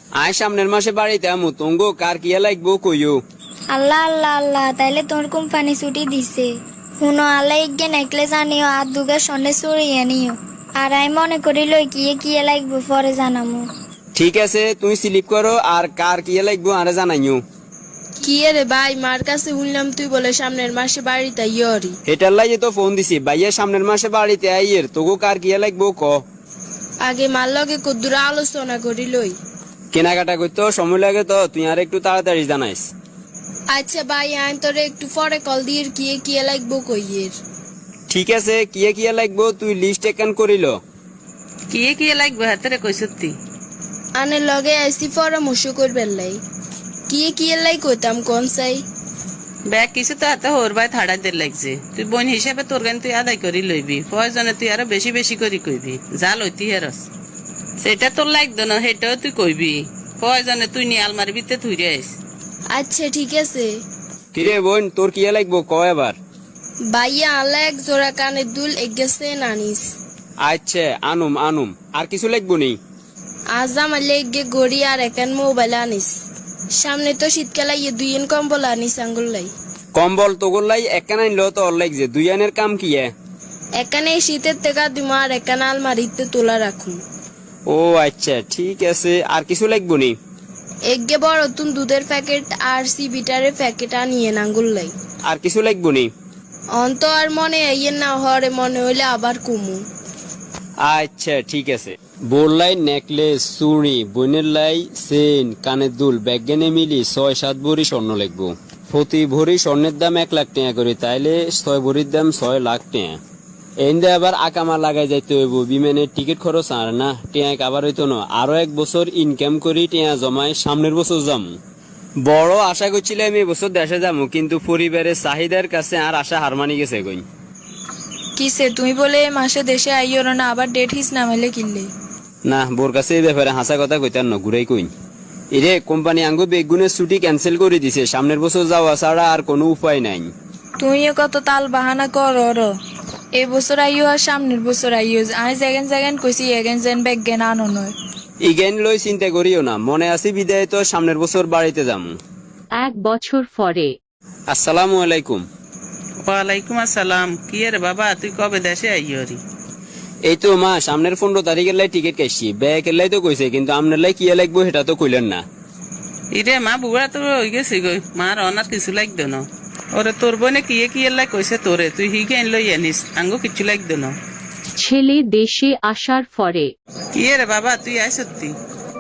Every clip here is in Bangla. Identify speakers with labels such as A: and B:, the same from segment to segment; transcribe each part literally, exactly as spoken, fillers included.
A: আয় সামনের মাসে বাড়িতে আমু তঙ্গ কার কিয়া লাগবো কইও।
B: আল্লাহ আল্লাহ আল্লাহ তাইলে তোর কোম্পানি ছুটি দিছে। শুনো আল্লাহ ইগে নেকলেস আনিও আর দুগা সন্ধ্যে চড়িয়ে নিও। আর আমি মনে করিল কিয়ে কিয়ে লাগবো পরে জানামু।
A: ঠিক আছে তুমি স্লিপ করো আর কার কিয়া লাগবো আরে জানাইও।
C: কি রে ভাই, মার কাছে শুনলাম তুই বলে সামনের মাসে বাড়িতে ইয়রি।
A: এটার লাগে তো ফোন দিছি ভাইয়া সামনের মাসে বাড়িতে আইয়ের তোগো কার কিয়া লাগবো ক।
C: আগে মার লগে কদ্দুর আলোচনা করি লই।
A: কেনাকাটা করতে সময় লাগে তো তুই আর একটু তাড়াতাড়ি জানাইস।
C: আচ্ছা ভাই, আইন তোরে একটু পরে কল দিয়ে কিয়ে কিয়ে লাগবো কইয়ের।
A: ঠিক আছে কিয়া কিয়া লাগবো তুই লিস্ট একান করিল।
D: কিয়ে কিয়ে লাগবে হাতেরে কই সত্যি
C: আনে লগে আইসি পরামর্শ করবেন লাই। কিয়ে কিয়ে লাই কইতাম কোন চাই।
D: ব্যাগ কিছু তো হাতে হোর ভাই থাড়া দের লাগছে। তুই বোন হিসাবে তোর গান তুই আদায় করি লইবি, প্রয়োজনে তুই আরো বেশি বেশি করি কইবি। যা লইতি হেরস সেটা তোর লাগতো না, সেটাও তুই কইবি। প্রয়োজনে তুই নিয়ে আলমারি ভিতরে থুই আইস।
C: আচ্ছা ঠিক আছে।
A: কিরে বোন তোর কিয়া লাগবো ক এবার।
C: ভাইয়া আল্লাহ এক জোড়া কানের দুল এগেছে নানিস।
A: আচ্ছা আনুম আনুম আর কিছু লাগবো নি।
C: আজ আমার লেগে গড়ি আর একান মোবাইল আনিস। সামনে তো শীতকালে ইয়ে দুইন কম্বল আনিস আঙ্গুল লাই।
A: কম্বল তোগোর লাই একান আনলো তো ওর লাগছে দুই আনের কাম কি এ?
C: এখানে শীতের থেকে দিমা আর একান আলমারিতে তোলা রাখুন।
A: ও আচ্ছা ঠিক আছে আর কিছু লাগবো নি।
C: এগে বড় তুন দুধের প্যাকেট আর সি বিটারের প্যাকেট আনিয়ে আঙ্গুল লাই।
A: আর কিছু লাগবো নি।
C: অন্ত আর মনে আইয়ের না হরে মনে হইলে আবার কুমু।
A: আচ্ছা ঠিক আছে। বোর লাই নেকলেস চুড়ি বোনের লাই চেন কানের দুল ব্যাগেনে মিলি ছয় সাত ভরি স্বর্ণ লাগবো। প্রতি ভরি স্বর্ণের দাম এক লাখ টাকা করে, তাইলে ছয় ভরির দাম ছয় লাখ টাকা। এনদে আবার আকামা লাগাই যাইতে হইব, বিমানের টিকিট খরচ আর না টিয়া কাবার হইতো না। আরো এক বছর ইনকাম করি টিয়া জমায় সামনের বছর যাম। বড় আশা করছিলাম এই বছর দেশে যাবো, কিন্তু পরিবারের চাহিদার কাছে আর আশা হার মানি গেছে কই।
E: কিসে তুমি বলে এ মাসে দেশে আইও না, আবার ডেট হিস নামাইলে কিনলে।
A: না বোর কাছে এই ব্যাপারে হাসা কথা কইতার ন ঘুরাই কই। এরে কোম্পানি আঙ্গু বেগুনের ছুটি ক্যান্সেল করে দিছে, সামনের বছর যাওয়া ছাড়া আর কোনো উপায় নাই।
E: তুমিও কত তাল বাহানা করো র। এই বছর আইও আর সামনের বছর আইও। আমি যেগেন যেগেন কইছি এগেন যেন ব্যাগ জ্ঞান আনো নয়।
A: ইগেন লই চিন্তা করিও না, মনে আছি বিদায় তো সামনের বছর বাড়িতে যাম।
F: এক বছর পরে।
A: আসসালামু আলাইকুম।
D: ওয়ালাইকুম আসসালাম। কি রে বাবা, তুই কবে দেশে আইয়রি?
A: এই তো মা সামনের পনেরো তারিখের লাই টিকিট কাটছি, ব্যাগের লাই তো কইছে, কিন্তু আপনার লাই কিয়া লাগবো সেটা তো কইলেন না।
D: ইরে মা বুড়া তো হয়ে গেছি গই, মার অনার কিছু লাগতো না। ওরে তোর বোনে কিয়ে কিয়ে লাই কইছে তোরে, তুই হিগে আন লই আনিস, আঙ্গো কিছু লাগতো না।
F: ছেলে দেশে আসার পরে।
D: কি রে বাবা, তুই আয় সত্যি?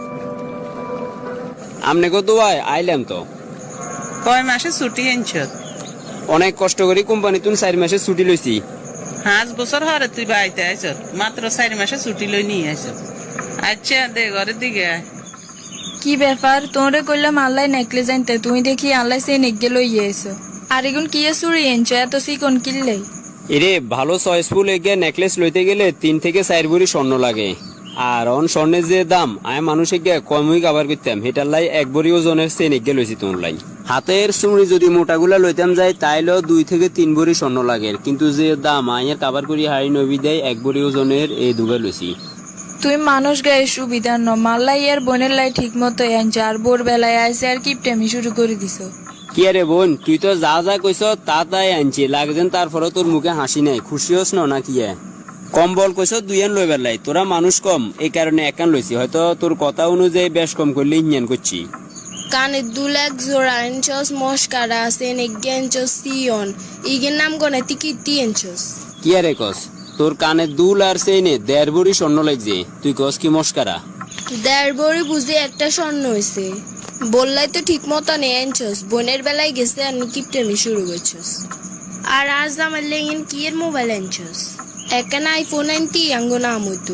A: আমনে কত আইলাম তো।
D: কয় মাসে ছুটি আনছ?
A: অনেক কষ্ট করি কোম্পানি তুন চার মাসে ছুটি লইছি।
D: পাঁচ বছর হরে তুই বাড়িতে আইস, মাত্র চার মাসে ছুটি লই নিয়ে আইস। আচ্ছা দে ঘরের দিকে আয়।
E: কি ব্যাপার, তোরে কইলাম আল্লাহ নেকলেস আনতে, তুমি দেখি আল্লাহ সে নেগে লইয়ে এসো। আর এগুন কি চুরি এনছো এত চিকন কিনলে?
A: এরে ভালো চয়েসফুল এগে নেকলেস লইতে গেলে তিন থেকে চার ভরি স্বর্ণ লাগে। আর অন স্বর্ণের যে দাম আমি মানুষে গিয়ে কমই কাবার করতাম, সেটার লাই এক ভরি ওজনের চেন এগে লইছি তোর লাই। হাতের চুড়ি যদি মোটাগুলা লইতাম যাই তাইলেও দুই থেকে তিন ভরি স্বর্ণ লাগে, কিন্তু যে দাম আয়ের কাবার করি হাড়ি নবী দেয় এক ভরি ওজনের এই দুগে লইছি।
E: তুই মানুষ গায়ে সুবিধা ন, মাল্লাই আর বোনের লাই ঠিক মতো আনছো, আর বোর বেলায় আইসে আর কিপটেমি শুরু করে দিছো।
A: কি আরে বোন তুই তো যা যা কইস তা তাই আনছি, লাগছেন তারপরে তোর মুখে হাসি নাই, খুশি হস না কি? কম্বল কইস দুই আন লইবার লাই, তোরা মানুষ কম এই কারণে একান লইছি, হয়তো তোর কথা অনুযায়ী বেশ কম করলে ইঞ্জান করছি।
C: কানের দুল এক জোড়া আনছস, মস্কারা আছে নেগে আনছস সিয়ন। ইগের নাম গনে তুই কীর্তি আনছস।
A: কি আরে কস তোর কানে দুল আর সেইনে দেড় ভরি স্বর্ণ লাগছে, তুই কস কি মস্কারা?
C: দেড় বড়ি বুঝে একটা স্বর্ণ হয়েছে। বললাই তো ঠিক মতো নেই আনছস, বোনের বেলায় গেছে আর কিপটেমি শুরু করছস। আর আজ আমার লেগেন কি এর মোবাইল আনছস? একান আইফোন আনতি আঙ্গো নাম হইতো।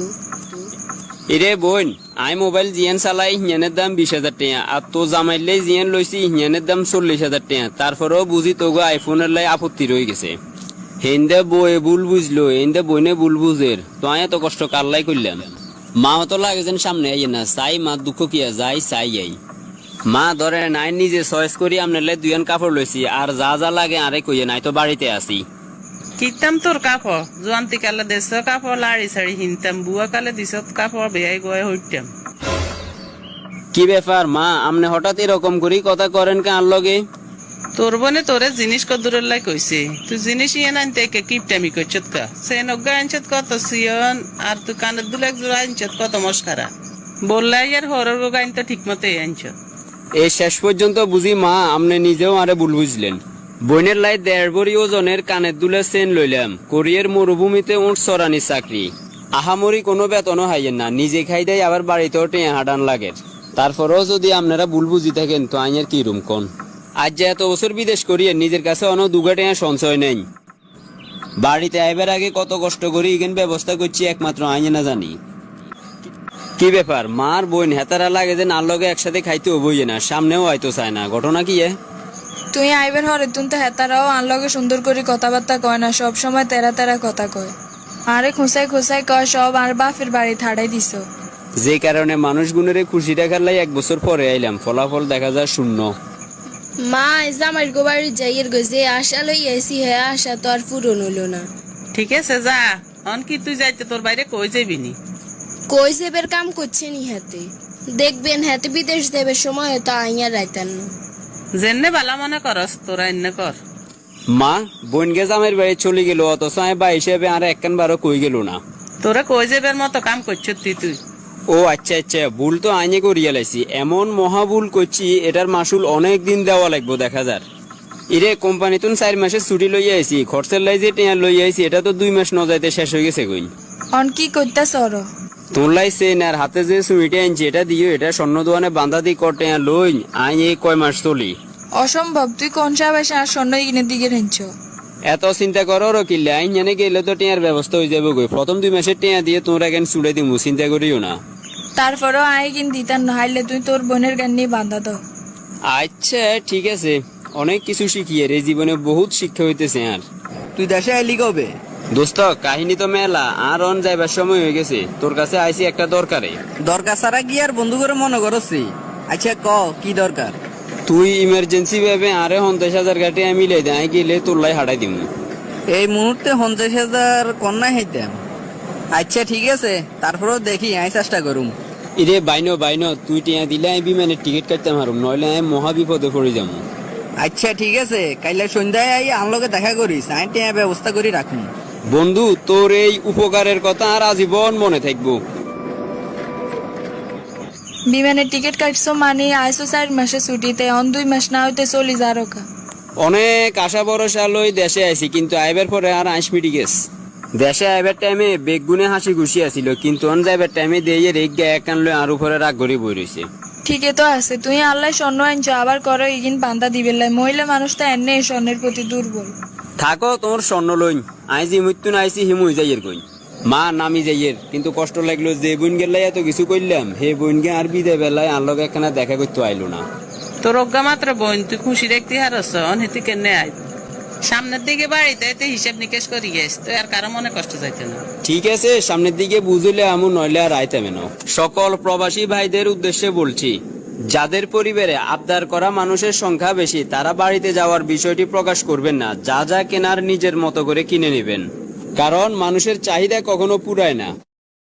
A: এরে বোন আই মোবাইল জিয়ান চালাই হিয়ানের দাম বিশ হাজার টাকা, আর তো জামাইলে জিয়ান লইছি হিয়ানের দাম চল্লিশ হাজার টাকা। তারপরেও বুঝি তোগো আইফোনের লাই আপত্তি রয়ে গেছে। হেন্দে বয়ে ভুল বুঝলো, হেন্দে বইনে ভুল বুঝের, তো আয় এত কষ্ট কারলাই করলাম। মা তো লাগে যেন সামনে আইয়ে না, চাই মা দুঃখ কিয়া যাই চাই আই। মা ধরে নাই নিজে চয়েস করি আপনার লাই দুইয়ান কাপড় লইছি, আর যা যা লাগে আরে কইয়ে নাই তো বাড়িতে আসি।
D: কিনতাম তোর কাপড়, জোয়ান্তি কালে দেশ কাপড় লাড়ি সাড়ি হিনতাম, বুয়া কালে দিস কাপড় বেয়াই গয়ে হইতাম।
A: কি ব্যাপার মা, আপনি হঠাৎ এরকম করি কথা করেন কে আর লগে?
D: তোর বোনে তোরে জিনিস কদুরের লাই কইছে, তুই জিনিস ইয়ে আনতে কে কিপটামি করছত কা? সে নগ্গা আনছত কত সিয়ন, আর তুই কানের দুলে এক জোড়া আনছত কত মস্কারা। বললাই আর হরর গো গাইন তো ঠিক মতো আনছত।
A: এই শেষ পর্যন্ত বুঝি মা আপনি নিজেও আরে ভুল বুঝলেন। বইনের লাই দেড় বড়ি ওজনের কানের দুলে চেন লইলাম, কোরিয়ার মরুভূমিতে উঠ সরানি চাকরি। আহামরি কোনো বেতনও হাইয়েন না, নিজে খাই দেয় আবার বাড়িতেও টেঁ হাডান লাগে। তারপরেও যদি আপনারা ভুল বুঝি থাকেন তো আইনের কি রুম কোন? আজ যে এত বছর বিদেশ করিয়ে নিজের কাছে অন দুগা টেঁ সঞ্চয় নেই। বাড়িতে আইবার আগে কত কষ্ট করি ইগেন ব্যবস্থা করছি একমাত্র আইনে না জানি। কি ব্যাপার মার বোন হেতারা লাগে যে নার লগে একসাথে খাইতে হবই না, সামনেও হয়তো চায় না, ঘটনা কি এ?
E: তুই আইবেন হরে তুন তো হেতারাও আনলগে সুন্দর করে কথাবার্তা কয় না, সব সময় তেরা তেরা কথা কয়। আরে খুঁসাই খুঁসাই কয় সব আর বাপের বাড়ি থাড়াই দিছ।
A: যে কারণে মানুষ গুণের খুশি দেখার লাই এক বছর পরে আইলাম, ফলাফল দেখা যায় শূন্য।
C: মা জামাই গো বাড়ি যাইয়ের গো যে আশা লই আইসি হ্যাঁ আশা তো আর পূরণ হইল না।
D: ঠিক আছে যা, অন কি তুই যাইতে তোর বাইরে কই যাবি নি?
C: কই সেবের কাম করছে নি হাতে, দেখবেন হাতে বিদেশ দেবের সময় হয়তো আইয়া রাইতান না।
D: জেনে বালা মনে করস তোরা এনে কর।
A: মা বোন গে জামের বাড়ি চলে গেল, অথচ আমি বা হিসেবে আর একখান বারো কই গেল না।
D: তোরা কই যাবের মতো কাম করছ তুই তুই
A: ও আচ্ছা আচ্ছা, ভুল তো আইনে করিয়া লাইছি, এমন মহা ভুল করছি এটার মাসুল অনেক দিন দেওয়া লাগবো দেখা যার। ইরে কোম্পানি তুন চার মাসের ছুটি লইয়া আইছি, খরচের লাই যে টেয়ার লইয়া আইছি এটা তো দুই মাস ন যাইতে শেষ হয়ে গেছে কইন।
E: অন কি করতাস ওর?
A: তোর লাই চেন আর হাতে যে সুইটে আনছি এটা দিও, এটা স্বর্ণ দোয়ানে বান্ধা দি কর টেয়ার লই আই এই কয় মাস চলি।
E: অসম্ভব, তুই কোন সাবাসে আর স্বর্ণ ইগিনের দিকে রেঞ্চ?
A: এত চিন্তা করো কিল্লে আইন জানে গেলে তো টেয়ার ব্যবস্থা হয়ে যাবে গই, প্রথম দুই মাসের টেয়া দিয়ে তোমরা কেন চুড়ে দিমু, চিন্তা করিও না।
E: তারপরেও আয় কিন দিতার না, হাইলে তুই তোর বোনের গান নিয়ে বান্ধা দাও।
A: আচ্ছা ঠিক আছে, অনেক কিছু শিখিয়ে রে, জীবনে বহুত শিক্ষা হইতেছে। আর
G: তুই দেশে আইলি কবে?
A: দোস্ত কাহিনী তো মেলা, আর অন যাইবার সময় হয়ে গেছে, তোর কাছে আইছি একটা দরকারে।
G: দরকার ছাড়া কি আর বন্ধু করে মনে করছি? আচ্ছা ক কি দরকার?
A: তুই ইমার্জেন্সি ভাবে আরে পঞ্চাশ হাজার গাটে আমি লে দেয় গেলে তোর লাই হাঁটাই দিমু।
G: এই মুহূর্তে পঞ্চাশ হাজার কন্যা হইতাম। আচ্ছা ঠিক আছে, তারপরেও দেখি আমি চেষ্টা করুম।
A: ইরে বাইনো বাইনো, তুই টিয়া দিলে আমি বিমানের টিকিট কাটতে পারুম, নইলে আমি মহা বিপদে পড়ে যাবো।
G: আচ্ছা ঠিক আছে, কাইলে সন্ধ্যায় আই আমলকে দেখা করিস, আমি টিয়া ব্যবস্থা করি রাখুন।
A: বন্ধু তোর এই উপকারের কথা আর আজীবন মনে থাকবো।
E: বিমানের টিকিট কাটছো মানে আইসো চার মাসে ছুটিতে, অন দুই মাস না হইতে চলি যা রোকা।
A: অনেক আশা ভরসা লই দেশে আইছি, কিন্তু আইবার পরে আর আইস মিটি গেছ। দেশে আইবার টাইমে বেগুনে হাসি খুশি আছিল, কিন্তু অন যাইবার টাইমে দিয়ে রেগ গায়ে একান লই আর উপরে রাগ গড়ি বই রয়েছে।
E: ঠিকই তো আছে, তুই আল্লাহ স্বর্ণ আনছো আবার করো ইগিন বান্ধা দিবেন লাই, মহিলা মানুষ তো এনে স্বর্ণের প্রতি দুর্বল।
A: থাকো তোমার স্বর্ণ লইন, আইজি মৃত্যু না আইসি হিমুই যাইয়ের কই মা নামি যাইয়ের, কিন্তু কষ্ট লাগলো যে বোন গেলাই এত কিছু করলাম, হে বোন গে আর বিদে বেলায় আনলকে একখানা দেখা করতে আইলো না।
D: তোর অজ্ঞা মাত্র বোন, তুই খুশি দেখতে হারস, অনহেতি কেনে আই সামনের দিকে বাড়িতে হিসাব নিকেশ করি গেছ, তুই আর কারো মনে কষ্ট যাইতে না।
A: ঠিক আছে, সামনের দিকে বুঝলে আমু, নইলে আর আইতামে না। সকল প্রবাসী ভাইদের উদ্দেশ্যে বলছি, যাদের পরিবারে আবদার করা মানুষের সংখ্যা বেশি তারা বাড়িতে যাওয়ার বিষয়টি প্রকাশ করবেন না, যা যা কেনার নিজের মতো করে কিনে নেবেন, কারণ মানুষের চাহিদা কখনো পুরায় না।